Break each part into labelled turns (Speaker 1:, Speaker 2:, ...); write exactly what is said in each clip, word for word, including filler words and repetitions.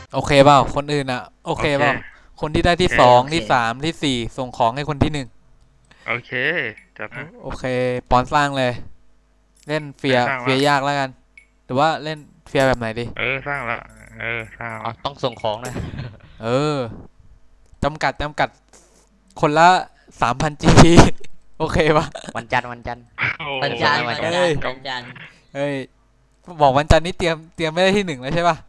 Speaker 1: โอเคเปล่าคนอื่นอ่ะโอ
Speaker 2: โอเค
Speaker 1: เคเปล่าคนที่ได้
Speaker 2: โอเค
Speaker 1: ที่สอง
Speaker 3: โอเค
Speaker 1: ที่สามที่สี่ส่งของให้คนที่หนึ่ง
Speaker 2: โอเคจัด
Speaker 1: โอ
Speaker 2: มา
Speaker 1: โอเคปอนสร้างเลยเล่นเฟีย
Speaker 2: เออสร้างละ
Speaker 1: เฟียยากแล้วกันหรือว่าเล่นเฟียแบบไหนดี
Speaker 2: เออสร้างละเออสร้างละ
Speaker 3: อ๋อต้องส่งของนะ
Speaker 1: เออจำกัดจำกัดคนละสามพันจีโอเคปะ
Speaker 3: วันจันทร์วันจันทร์
Speaker 2: โอ้
Speaker 3: จะ
Speaker 4: วัน
Speaker 3: ส่งให้วัน
Speaker 4: จันทร์วัน
Speaker 3: จันทร์
Speaker 1: เอ้ย
Speaker 4: จันทร์
Speaker 2: ก
Speaker 4: วันจันทร์
Speaker 1: เอ้ยบอกวันจันทร์นี้เตรียมเตรียมไม่ได้ที่หนึ่งแล้วใช่ปะ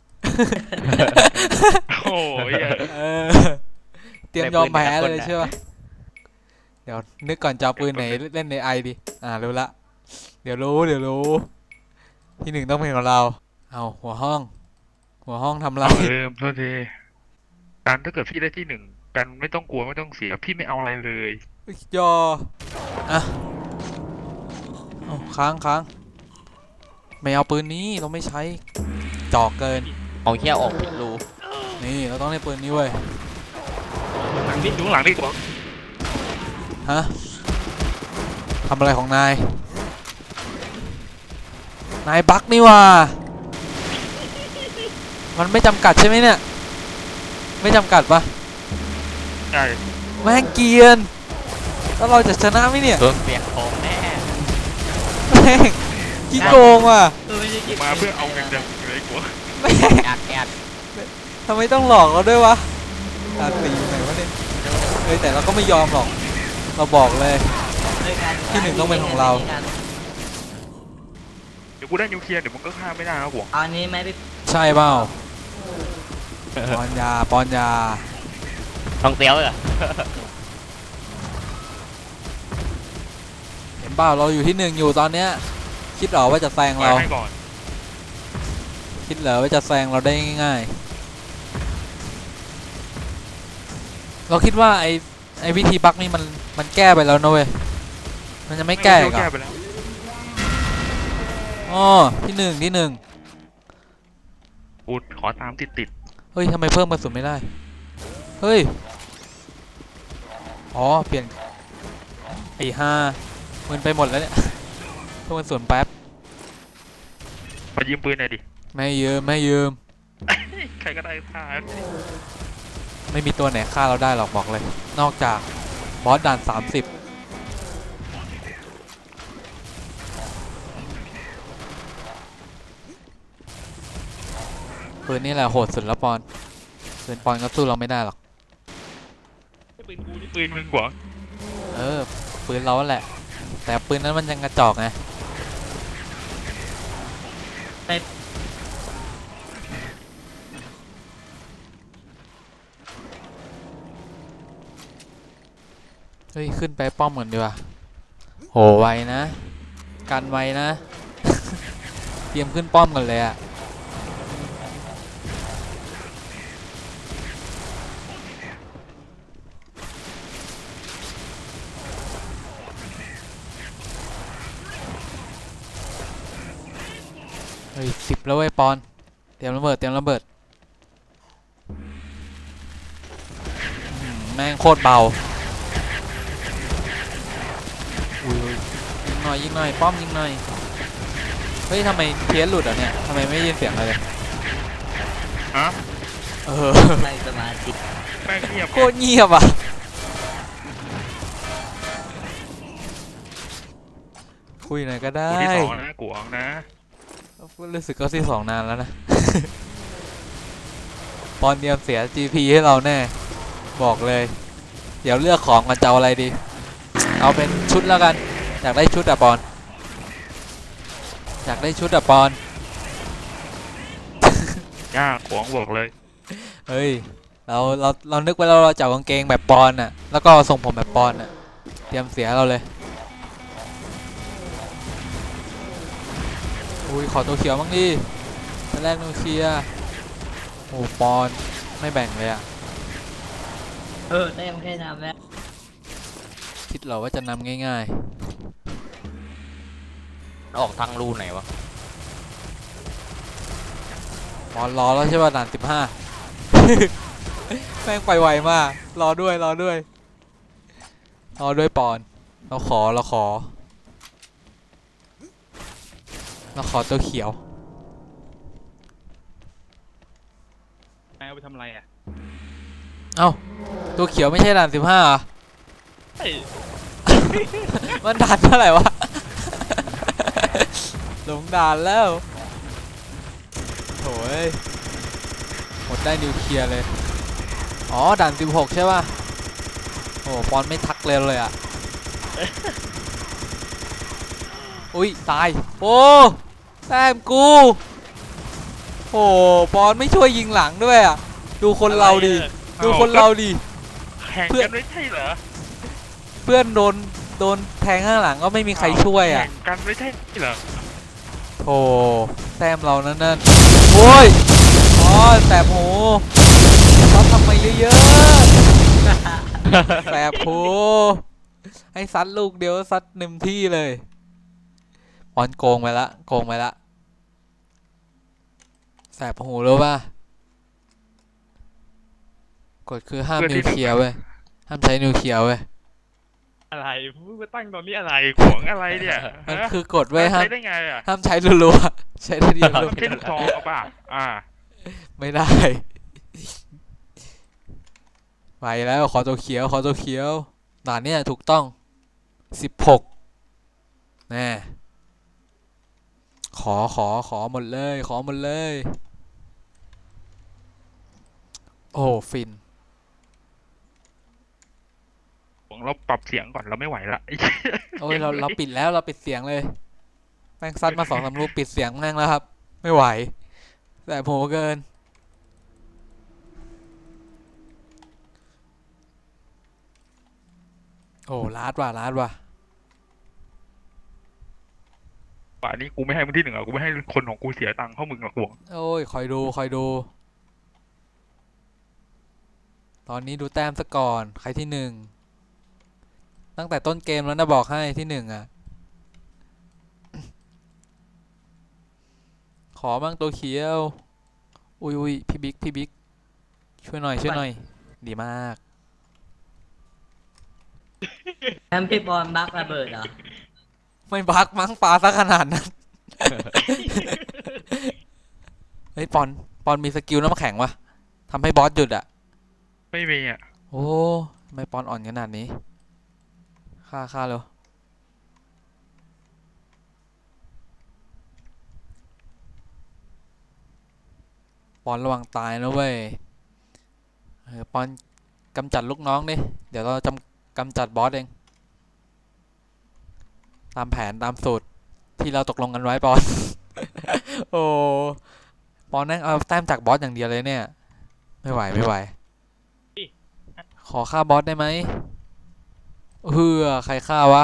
Speaker 2: ำโอ้ยเหี้ย
Speaker 1: เออเตรียม
Speaker 3: ได้
Speaker 1: ยอ
Speaker 3: ปืนแต่
Speaker 1: มแพ้
Speaker 3: ละคนนะ
Speaker 1: เลยใช่ปะเดี๋ยวนึกก่อนจะเอาปืนไหนเล่นในไอดีอ่ารู้ละเดี๋ยวรู้เดี๋ยวรู้ที่หนึ่งต้องเป็นของเราเอาหัวห้องหัวห้องทำไร
Speaker 2: เอาเออโทษทีการถ้าเกิดพี่ได้ที่หนึ่งกันไม่ต้องกลัวไม่ต้องเสียพี่ไม่เอาอะไรเลย
Speaker 1: ยออ่ะเอาค้างค้างไม่เอาปืนนี้เราไม่ใช้จอกเกิน
Speaker 3: เอาเขี้ยวออกผิดรู
Speaker 1: นี่เราต้องเล่นปืนนี้เว้ย
Speaker 2: หลังนี่ดูหลังดีกว่า
Speaker 1: ฮะทำอะไรของนายนายบั๊กนี่ว่ามันไม่จำกัดใช่ไหมเนี่ยไม่จำกัดปะ
Speaker 2: ใช่
Speaker 1: แม่งเกรียนแล้วเราจะชนะไหมเนี่ย
Speaker 3: โดนเปียกของแน่
Speaker 1: แม่งขี้โกงว่ะ
Speaker 4: เออไม่ได้เก็บ
Speaker 2: มาเพื่อเอาเงินเดือนเลยกว่า
Speaker 1: แม่ง
Speaker 3: แอดแอด
Speaker 1: ทำไมต้องหลอกเราด้วยวะตาตีไหนวะเนี่ยเฮ้ยแต่เราก็ไม่ยอมหรอกเราบอกเลย
Speaker 4: ด้วยกัน
Speaker 1: ที่หนึ่งต้องเป็นของเรา
Speaker 2: เดี๋ยวกูได้นิวเคลียร์เดี๋ยวมึงก็ฆ่าไม่ได้นะหวง
Speaker 4: เอาอันนี้ไหมพี่
Speaker 1: ใช่เปล่าปอนยาปอนยา
Speaker 3: ทองเตี้ยวเหรอ
Speaker 1: เห็นเปล่าเราอยู่ที่หนึ่งอยู่ตอนเนี้ยคิดเหรอว่าจะแซง
Speaker 2: ปล่อย
Speaker 1: เรา
Speaker 2: ให้ก่อน
Speaker 1: คิดเหรอว่าจะแซงเราได้ง่ายๆเราคิดว่าไอไอวิธีบั๊กนี่มันมันแก้ไปแล้วนะเว้ยมันจะไม่แก้อีกเหร
Speaker 2: แก้
Speaker 1: อ
Speaker 2: ไปแล้ว
Speaker 1: อ๋อที่หนึ่งที่หนึ่ง
Speaker 2: กูขอตามติดติด
Speaker 1: เฮ้ยทำไมเพิ่มกระสุนไม่ได้เฮ้ยอ๋อเปลี่ยนไอ้ห้ามันไปหมดแล้วเนี่ยเพิ่มกระสุนแป๊บ
Speaker 2: มายืมปืนหน่อยดิ
Speaker 1: ไม่ยืมไม่ยืม
Speaker 2: ใครก็ได้ฆ่า
Speaker 1: ไม่มีตัวไหนฆ่าเราได้หรอกบอกเลยนอกจากบอสด่านสามสิบปืนนี่แหละโหดสุดแล้วปอนปืนปอนก็สู้เราไม่ได้หรอก
Speaker 2: ปืนกูนี่ปืนมึงกว่า
Speaker 1: เออปืนเราแหละแต่ปืนนั้นมันยังกระจอกไงเฮ้ยขึ้นไปป้อมก่อนดีกว่าโหไวนะกันไวนะเตรียมขึ้นป้อมกันเลยอะเฮ้ยสิบแล้วเว้ยปอนเตรียมระเบิดเตรียมระเบิดแม่งโคตรเบาอุ้ยยิงหน่อยยิงหน่อยป้อมยิงหน่อยเฮ้ยทำไมเพี้ยนหลุดอ่ะเนี่ยทำไมไม่ยินเสียงอะไรเลย
Speaker 2: ฮะ
Speaker 1: เออ
Speaker 4: ไม่สมาธิ
Speaker 2: แม่งเงียบ
Speaker 1: โคตรเงียบอ่ะคุยหน่อยก็ได้
Speaker 2: กูที่สองนะกูออกนะ
Speaker 1: รู้สึกก็ที่สองนานแล้วนะปอนเดียมเสีย จี พี ให้เราแน่บอกเลยเดี๋ยวเลือกของกันจะเอาอะไรดีเอาเป็นชุดแล้วกันอยากได้ชุดอะปอนอยากได้ชุดอะปอน
Speaker 2: ยากหวงบอกเลย
Speaker 1: เฮ้ยเราเราเรานึกไว้แล้วเราจะเอากางเกงแบบปอนน่ะแล้วก็ทรงผมแบบปอนน่ะเตรียมเสียเราเลยอุ้ยขอตัวเขียวบ้างดิตอนแรกนูเคลียร์โอ้ปอนไม่แบ่งเลยอะ
Speaker 4: เออได้ยังแค่น้ำแล้ว
Speaker 1: คิดเหรอว่าจะนำง่าย
Speaker 3: ออกทางรูไหนวะ
Speaker 1: ๆปอนรอแล้วใช่ป่ะด่านสิบห้า แม่งไปไวมากรอด้วยรอด้วยรอด้วยปอนเราขอเราขอเราขอตัวเขียว
Speaker 2: นายเอาไปทำอะไรอ่ะ
Speaker 1: เอ้าตัวเขียวไม่ใช่ด่านสิบห้าเหรอ
Speaker 2: เฮ้ย
Speaker 1: มันด่านเท่าไหร่วะ หลงด่านแล้วโถ่เอ้ยหมดได้นิวเคลียร์เลยอ๋อด่านสิบหกใช่ป่ะโอ้ปอนไม่ทักเลยเลยอ่ะ อุ้ยตายโอ้แต้มกูโอ้ปอนไม่ช่วยยิงหลังด้วยอ่ะดูคนเราดิดูคนเราดิ
Speaker 2: แข่งกันไม่ใช่เหรอ
Speaker 1: เพื่อนโดนโดนแทงข้างหลังก็ไม่มีใครช่วยอ่ะ
Speaker 2: แข่งกันไม่ใช่เหรอ
Speaker 1: โอ้แต้มเรานั่นนั่นโอ้ยอ๋อแสบหูซัดทำไมเยอะๆแสบหูให้ซัดลูกเดียวซัดหนึ่งที่เลยปอนโกงไปละโกงไปละแสบหูรู้ป่ะกฎคือห้ามนิวเคลียร์เว้ยห้ามใช้นิวเคลียร์เว้ย
Speaker 2: อะไรพูดมาตั้งตอนนี้อะไรขวงอะไรเนี่ย
Speaker 1: มัน
Speaker 2: ฮะ
Speaker 1: คือกฎเว้ยห้าม
Speaker 2: ใช้ได้ไงอ่ะ
Speaker 1: ห้ามใช้รัวๆใช้ได้ดี
Speaker 2: ต้
Speaker 1: รั
Speaker 2: อ
Speaker 1: ว
Speaker 2: งใช้ลูกซองเอาป่ะอ่า
Speaker 1: ๆไม่ได้ไปแล้วขอตัวเขียวขอตัวเขียวด่านเนี้ยถูกต้องสิบหกแน่ขอขอขอหมดเลยขอหมดเลยโอ้ฟิน
Speaker 2: ขวงเราปรับเสียงก่อนเราไม่ไหวละ
Speaker 1: โอ้ยเราเราปิดแล้วเราปิดเสียงเลยแม่งซัดมาสองสามลูกปิดเสียงแม่งแล้วครับไม่ไหวแต่โหเกินโอ้ลาดว่ะลาดว่ะ
Speaker 2: ป่านนี้กูไม่ให้มึงที่หนึ่งอ่ะกูไม่ให้คนของกูเสียตังค์เพราะมึงหรอกขวง
Speaker 1: โอ้ยคอยดูคอยดู ตอนนี้ดูแต้มซะก่อนใครที่หนึ่งตั้งแต่ต้นเกมแล้วนะบอกให้ที่หนึ่งอ่ะ ขอบ้างตัวเขียวอุ้ยอุ้ยพี่บิ๊กพี่บิ๊กช่วยหน่อยช่วยหน่อยดีมาก
Speaker 4: แอมพี่บอลบักระเบิดเหรอ
Speaker 1: ไม่บักมั้งปลาซะขนาดนั้น เฮ้ยปอนปอนมีสกิลน้ำแข็งวะทำให้บอสหยุดอ่ะ
Speaker 2: ไม่มีอ่ะ
Speaker 1: โอ้ทำไมปอนอ่อนขนาดนี้ฆ่าฆ่าเร็วปอนระวังตายนะเว้ยเออปอนกำจัดลูกน้องดิเดี๋ยวเราจำกำจัดบอสเองตามแผนตามสูตรที่เราตกลงกันไว้ปอน โอ้ปอนนั่งเอาแต้มจากบอสอย่างเดียวเลยเนี่ยไม่ไหวไม่ไหวขอฆ่าบอสได้ไหมเฮือใครฆ่าวะ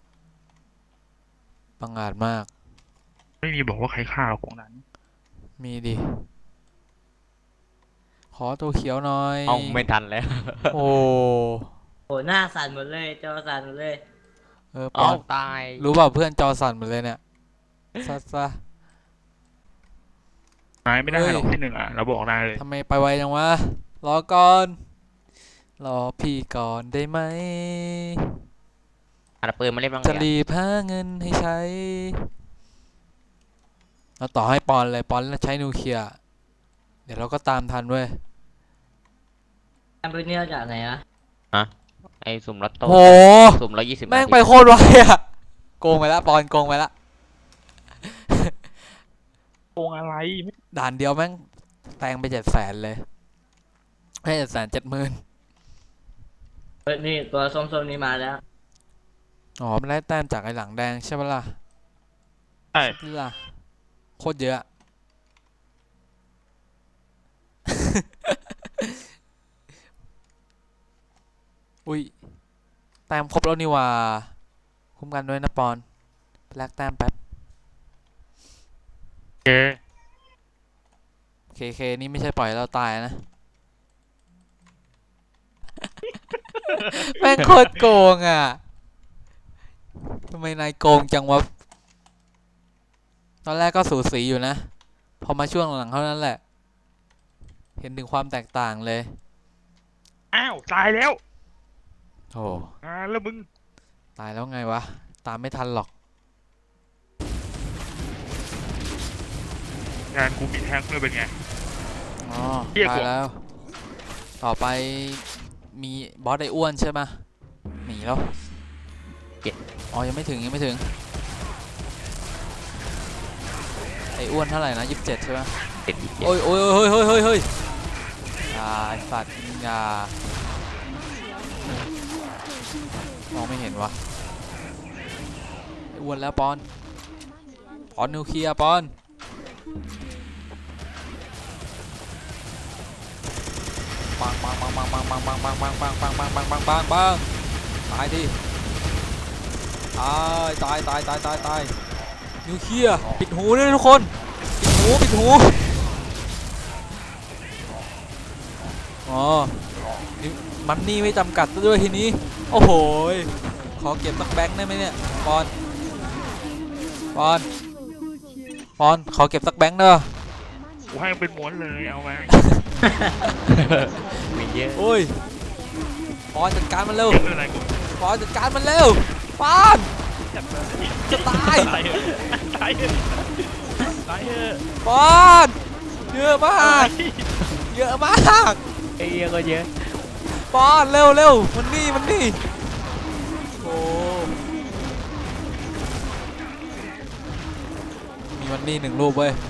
Speaker 1: บังอาจมาก
Speaker 2: ไม่มีบอกว่าใครฆ่าของนั้น
Speaker 1: มีดิขอตัวเขียวหน่อย
Speaker 3: เอาไม่ทันแล้ว
Speaker 1: โอ้
Speaker 4: โหหน้าสั่นหมดเลยจอสั่นหมดเลย
Speaker 1: เออป
Speaker 3: เอา
Speaker 1: อน
Speaker 3: ตาย
Speaker 1: รู้เปล่าเพื่อนจอสั่นหมดเลยเนี่ยซะซะ
Speaker 2: นายไม่ได้
Speaker 1: เฮ้ย
Speaker 2: หรอกที่หนึ่งอ่ะเราบอกนายเลย
Speaker 1: ทำไมไปไวจังวะรอก่อนรอพี่ก่อนได้ไหม
Speaker 3: อันปืนมาเล่นบ้าง
Speaker 1: จะ
Speaker 3: เนี่ย
Speaker 1: รีบหาเงินให้ใช้เราต่อให้ปอนเลยปอนใช้นิวเคลียร์เดี๋ยวเราก็ตามทันเว้ย
Speaker 4: แอมปืนเนี่ยจากไหนวะ
Speaker 3: ไอ้สุ่มลัตโต้
Speaker 1: โห
Speaker 3: สุ่มร้อยยี่สิบ
Speaker 1: แม่งไปโคตรไวอะโกงไปละปอนโกงไปละ
Speaker 2: โกงอะไรไม่
Speaker 1: ด่านเดียวแม่งแตงไปเจ็ดแสนเลยไม่เจ็ดแสนเจ็ดหมื่น
Speaker 4: เฮ้ยนี่ตัวส้มๆนี่มาแล้ว
Speaker 1: อ๋อมันได้แต้มจากไอ้หลังแดงใช่ปะล่ะ
Speaker 2: ใช่
Speaker 1: นี่ล่ะโคตรเยอะ อุ้ยแต้มครบแล้วนี่หว่าคุ้มกันด้วยนะปอนแลกแต้มแป๊บ
Speaker 2: เจ
Speaker 1: เคเคนี่ไม่ใช่ปล่อยเราตายนะ แม่งโคตรโกงอ่ะทำไมนายโกงจังวะตอนแรกก็สูสีอยู่นะพอมาช่วงหลังเท่านั้นแหละ เห็นถึงความแตกต่างเลย
Speaker 2: อ้าวตายแล้ว
Speaker 1: โอ้
Speaker 2: อ่าแล้วมึง
Speaker 1: ตายแล้วไงวะ ตามไม่ทันหรอก
Speaker 2: งานกูมีแท้งเลยเป็นไง
Speaker 1: อ๋อ
Speaker 2: เหี้ย
Speaker 1: ตาก ย
Speaker 2: ว่า
Speaker 1: แล้ว ต่อไปมีบอสไออ้วนใช่ไหมหนีแล้วอ๋อยังไม่ถึงยังไม่ถึงไออ้วนเท่าไหร่นะยี่สิบเจ็ดใช่ไหม
Speaker 3: เจ็ดยี่สิบเจ็ด
Speaker 1: โอ้ยโอ้ยเฮ้ยเฮ้ยเฮ้ยเฮ้ยอย่าไอสัตว์อย่ามองไม่เห็นวะไออ้วนแล้วปอนปอนนิวเคลียร์ปอนปังปังปังปังปังปังปังปังปังปังปังปังปังปังปังปังตายดิตายตายตายตายตายตายนิวเคลียร์ปิดหูด้วยทุกคนปิดหูปิดหูอ๋อนี่มันนี่ไม่จำกัดซะด้วยทีนี้โอ้โหขอเก็บสักแบงค์ได้ไหมเนี่ยปอนปอนปอนขอเก็บสักแบงค์เด้อ
Speaker 2: กูให้มันเป็นม้วนเลยเอามา
Speaker 3: มีเยอะ
Speaker 1: โอ้ยปอนจัดการมันเร็ว
Speaker 2: ไม่เป็นไรกู
Speaker 1: ปอนจัดการมันเร็วปอน
Speaker 2: จับเลย
Speaker 1: จะตาย
Speaker 2: ตายเถอะตายเถอะตายเถอะ
Speaker 1: ปอนเยอะมากเยอะมาก
Speaker 3: ไอ้เหี้ยก็เยอะ
Speaker 1: ปอนเร็วเร็วมันนี่มันนี่โอ้มีมันนี่หนึ่งรูปเว้ย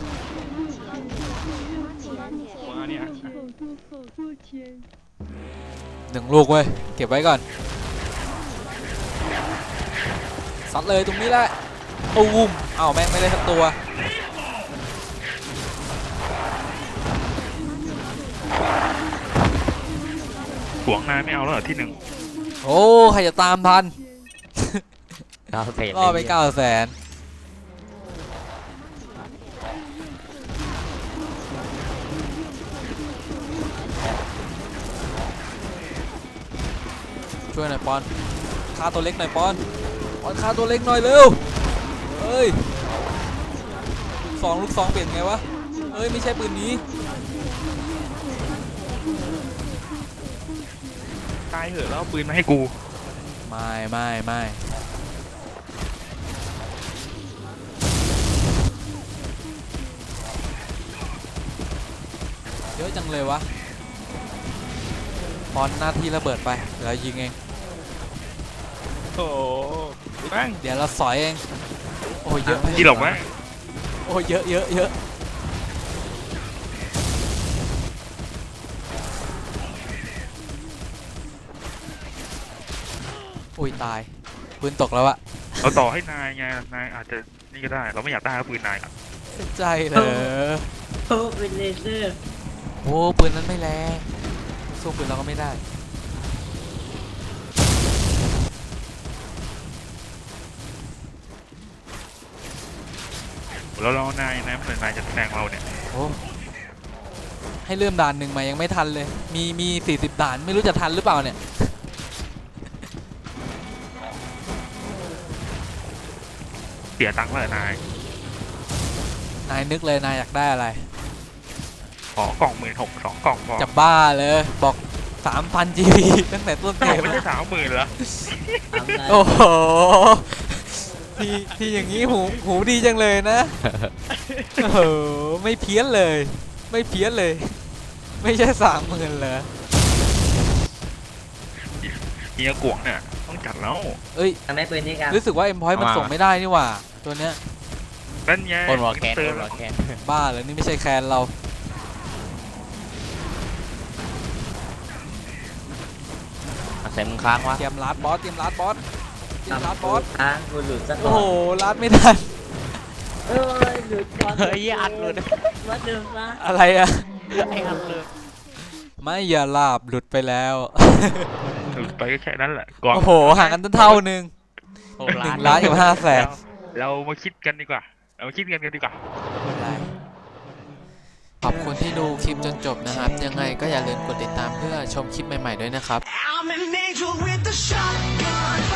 Speaker 2: มาเนี่ย
Speaker 1: หนึ่งลูกเว้ยเก็บไว้ก่อนซัดเลยตรงนี้แหละตูมอ้าวแม่งไม่ได้สักตัว
Speaker 2: หวงนายไม่เอาแล้วเหรอที่หนึ่ง
Speaker 1: โอ้ใครจะตามทัน
Speaker 3: เก้าเศษ
Speaker 1: ก็ไปเก้าแสนช่วยหน่อยปอนฆ่าตัวเล็กหน่อยปอนปอนฆ่าตัวเล็กหน่อยเร็วเอ้ยสองลูกสองเปลี่ยนไงวะเอ้ยไม่ใช่ปืนนี้
Speaker 2: ตายเถอะแล้วเอาปืนมาให้กู
Speaker 1: ไม่ไม่ไม่เยอะจังเลยวะปอนหน้าที่ระเบิดไปเดี๋ยวเรายิงเอง
Speaker 2: โอ้โหบ้าง
Speaker 1: เดี๋ยวเราสอยเองโอ้ยเยอะไป
Speaker 2: ที่หลบไหม
Speaker 1: โอ้ยเยอะเยอะเยอะอุ้ยตายปืนตกแล้วอะ
Speaker 2: เราต่อให้นายไงนายอาจจะนี่ก็ได้เราไม่อยากได้ปืนนายอะ
Speaker 1: เสียใจเหรอ
Speaker 4: โอ้เป็นเลเซอร์
Speaker 1: โอ้ปืนนั้นไม่แรงสู้ปืนเราก็ไม่ได้
Speaker 2: เราเรานายนายเหมือนนายจะแซงเราเนี่ย
Speaker 1: โอ้ให้เริ่มด่านหนึ่งมายังไม่ทันเลยมีมีสี่สิบด่านไม่รู้จะทันหรือเปล่าเนี่ย
Speaker 2: เสียตังค์เลยนาย
Speaker 1: นายนึกเลยนายอยากได้อะไร
Speaker 2: ขอกล่องหมื่นหกสองกล่องพอ
Speaker 1: จะบ้าเลยบอก สามพัน จี พี ตั้งแต่ต้นเก
Speaker 2: กล่อง
Speaker 1: ม
Speaker 2: ไม่ใช่สามหมื่นเหรอ
Speaker 4: ทำได้
Speaker 1: โอ้โหที่ที่อย่างนี้หูหูดีจังเลยนะโอ้โหไม่เพี้ยนเลย ไม่เพี้ยนเลย ไม่ใช่สามหมื่นเลย
Speaker 2: เฮียกวงเนี่ยต้องจัดแล้ว
Speaker 1: เอ้ย
Speaker 4: ทำให้ปืนนี้กัน
Speaker 1: รู้สึกว่าเอ็มพอยต์มันส่งไม่ได้นี่หว่าตัวเนี้ย
Speaker 2: นั่นไง
Speaker 3: คนวอลแคน
Speaker 2: เติ
Speaker 3: ค
Speaker 2: ม
Speaker 3: นวอลแคน
Speaker 1: บ้าเลยนี่ไม่ใช่แคนเรา
Speaker 3: อาศัยมึงค้างวะ
Speaker 1: เตรียมลัดบอสเตรียมลัดบอสเตรียมลัดบอส
Speaker 4: อ่ะกูหลุดซะก่
Speaker 1: โอ้
Speaker 4: อ
Speaker 1: โห
Speaker 4: น
Speaker 1: ลัดไม่ทัน
Speaker 4: เอ้ยหลุดก่อน
Speaker 3: เฮ้ยอัดหลุด
Speaker 4: วัดเดิมซะ
Speaker 1: อะไรอะ
Speaker 3: ไอ้อัดหลุด
Speaker 1: ไม่อย่าลาบหลุดไปแล้ว
Speaker 2: หลุดไปก็แค่นั้นแหละก่อน
Speaker 1: โอ้โหห่างกันตั้งเท่านึง
Speaker 3: โอ้
Speaker 1: ห
Speaker 3: ล้า
Speaker 1: นึ่
Speaker 3: น
Speaker 1: งล้านกับห้าแสน
Speaker 2: เรามาคิดกันดีกว่า เรามาคิดกันกันดีกว่า
Speaker 1: ขอบคุณที่ดูคลิปจนจบนะครับ ยังไงก็อย่าลืมกดติดตามเพื่อชมคลิปใหม่ๆด้วยนะครับ
Speaker 5: I'm an angel with a shotgun.